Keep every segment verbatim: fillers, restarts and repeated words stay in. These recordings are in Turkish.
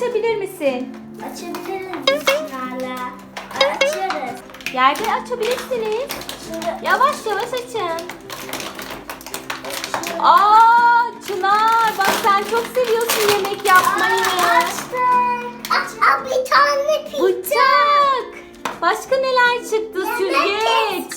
açabilir misin? Açabiliriz Çınar'la. Açarız. Yerde açabilirsiniz. Şimdi Yavaş yavaş açın. Aa Çınar, bak sen çok seviyorsun yemek yapmayı. açtık. Aç, aa, bir tane pizza. Bıçak. Başka neler çıktı? Süzgeç.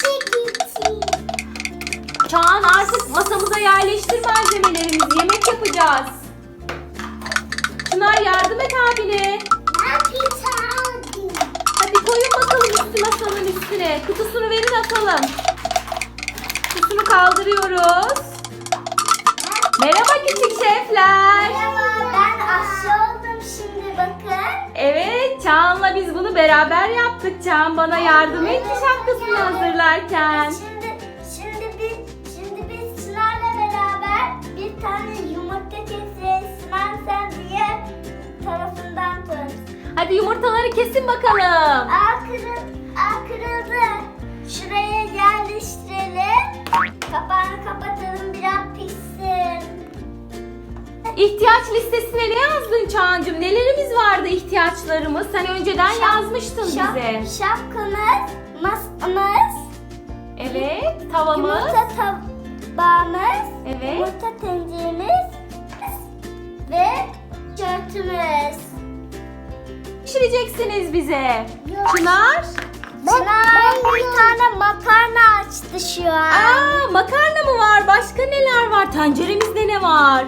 Çağan, artık masamıza yerleştir malzemelerimizi. Yemek yapacağız. Çınar, yardım et abine. Ben pizza aldım. Hadi koyun bakalım üstü masanın üstüne. Kutusunu verin atalım. Kutusunu kaldırıyoruz. Merhaba küçük şefler. Merhaba, ben aşçı oldum şimdi bakın. Evet, Çağan'la biz bunu beraber yaptık. Çağan bana yardım etti şapkasını hazırlarken. Şimdi şimdi biz şimdi biz Çınar'la beraber bir tane yumurta keseceğiz. Çınar sen diğer tarafından tut. Hadi yumurtaları kesin bakalım. Aa, kırıl, aa kırıldı. Şuraya yerleştirelim. Kapağını kapatalım, biraz pişsin. İhtiyaç listesine ne yazdın Çağan'cığım? Nelerimiz vardı ihtiyaçlarımız? Sen önceden Şap- yazmıştın şap- bize. Şapkamız, masamız, Evet, tavamız. yumurta tabağımız, Evet. yumurta tenceremiz ve çörtümüz. Pişireceksiniz bize. Yok. Çınar. Çınar bir tane makarna açtı şu an. Aa, makarna mı var? Başka neler var? Tenceremizde ne var?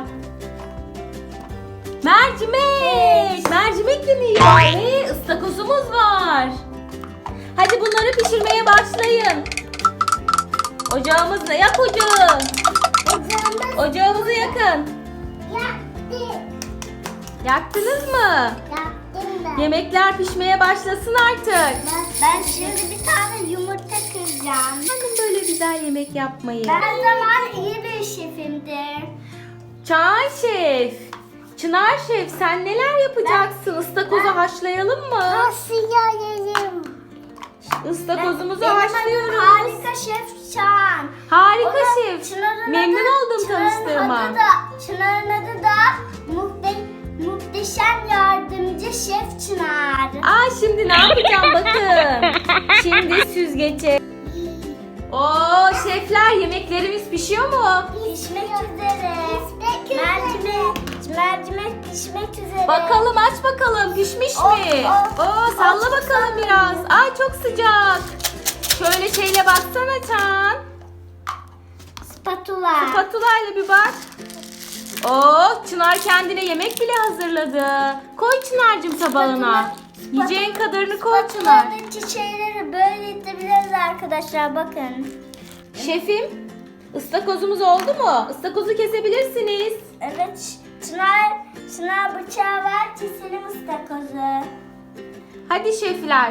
Mercimek. Mercimek de mi var? Ee, ıstakozumuz var. Hadi bunları pişirmeye başlayın. Ocağımızda yak ocağı. Ocağımız Ocağımızı yakın. yaktı. Yaktınız mı? Yaktım ben. Yemekler pişmeye başlasın artık. Ben, ben şimdi bir tane yumurta kıracağım. Bakın böyle güzel yemek yapmayı. Ben zaman iyi bir şefimdir. Çağan Şef, Çınar Şef, sen neler yapacaksın? Istakozu ben- haşlayalım mı? Haşlayalım. Istakozumuzu Benim adım haşlıyoruz. Harika Şef Çağan. Harika O da şef. Çınar'ın Memnun adı- oldum Çınar'ın tanıştığıma. adı da- Çınar'ın adı da muhte, muhteşem yardımcı Şef Çınar. Aa, şimdi ne yapacağım bakın. Şimdi süzgece. Oo şefler, yemeklerimiz pişiyor mu? Pişmek üzere. Mercimek, mercimek pişmek üzere. Bakalım, aç bakalım, pişmiş Oh, mi? oh. Oo, salla Aç, bakalım salla. biraz. Ay çok sıcak. Şöyle şeyle baksana Çağan. Spatula. Spatula ile bir bak. Oo, Çınar kendine yemek bile hazırladı. Koy Çınar'cığım tabağına. Spatula- Yiyeceğin kadarını koy Çınar. Spatuladaki şeyleri böyle itebiliriz arkadaşlar bakın. Şefim, ıstakozumuz oldu mu? Istakozu kesebilirsiniz. Evet, Çınar, Çınar bıçağı ver, keselim ıstakozu. Hadi şefler.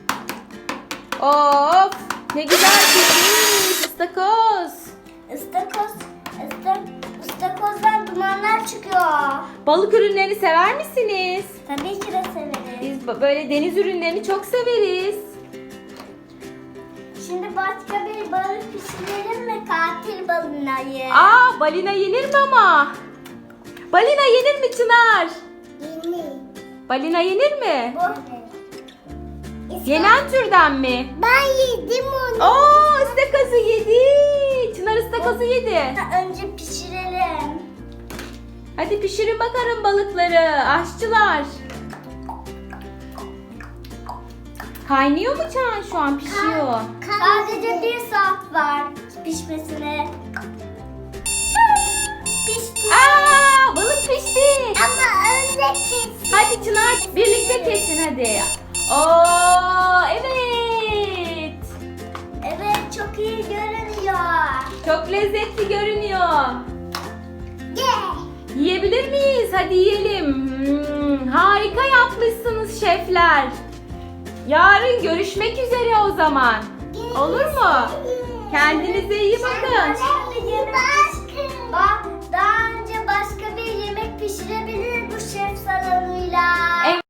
Of, ne güzel pişmiş ıstakoz. Istakoz, ıstak, ıstakozdan dumanlar çıkıyor. Balık ürünlerini sever misiniz? Tabii ki de severiz. Biz b- böyle deniz ürünlerini çok severiz. Şimdi başka bir balık pişirelim mi? Katil balinayı. Aa, balina yenir mi ama? Balina yenir mi Çınar? Yeni. Balina yenir mi? Bu. Yenen türden mi? Ben yedim onu. Oo, ıstakozu yedi. Çınar ıstakozu yedi. Önce pişirelim. Hadi pişirin bakalım balıkları aşçılar. Kaynıyor mu Çağan, şu an pişiyor? Sadece bir saat var pişmesine. Pişti. Aa, balık pişti. Ama önce kesin. Hadi Çınar, birlikte kesin hadi. Oo, evet. Evet, çok iyi görünüyor. Çok lezzetli görünüyor. Yeah. Yiyebilir miyiz? Hadi yiyelim. Hmm, harika yapmışsınız şefler. Yarın görüşmek üzere o zaman. Olur mu? Kendinize iyi bakın. Bak.